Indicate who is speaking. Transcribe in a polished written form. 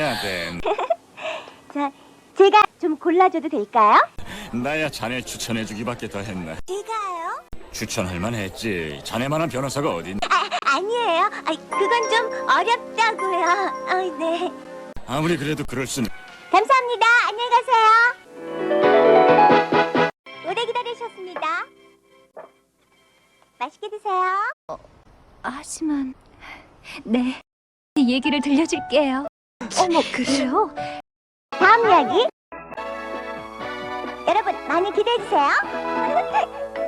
Speaker 1: 아덴.
Speaker 2: 자, 제가 좀 골라줘도 될까요?
Speaker 1: 나야 자네 추천해주기밖에 더 했나.
Speaker 2: 제가요?
Speaker 1: 추천할 만했지. 자네만한 변호사가 어딨나.
Speaker 2: 아니에요. 그건 좀 어렵다고요. 네.
Speaker 1: 아무리 그래도 그럴 수는.
Speaker 2: 감사합니다. 안녕히 가세요. 오래 기다리셨습니다. 맛있게 드세요.
Speaker 3: 하지만 네, 얘기를 들려줄게요. 어머, 그래요?
Speaker 2: 다음 이야기. 여러분 많이 기대해 주세요.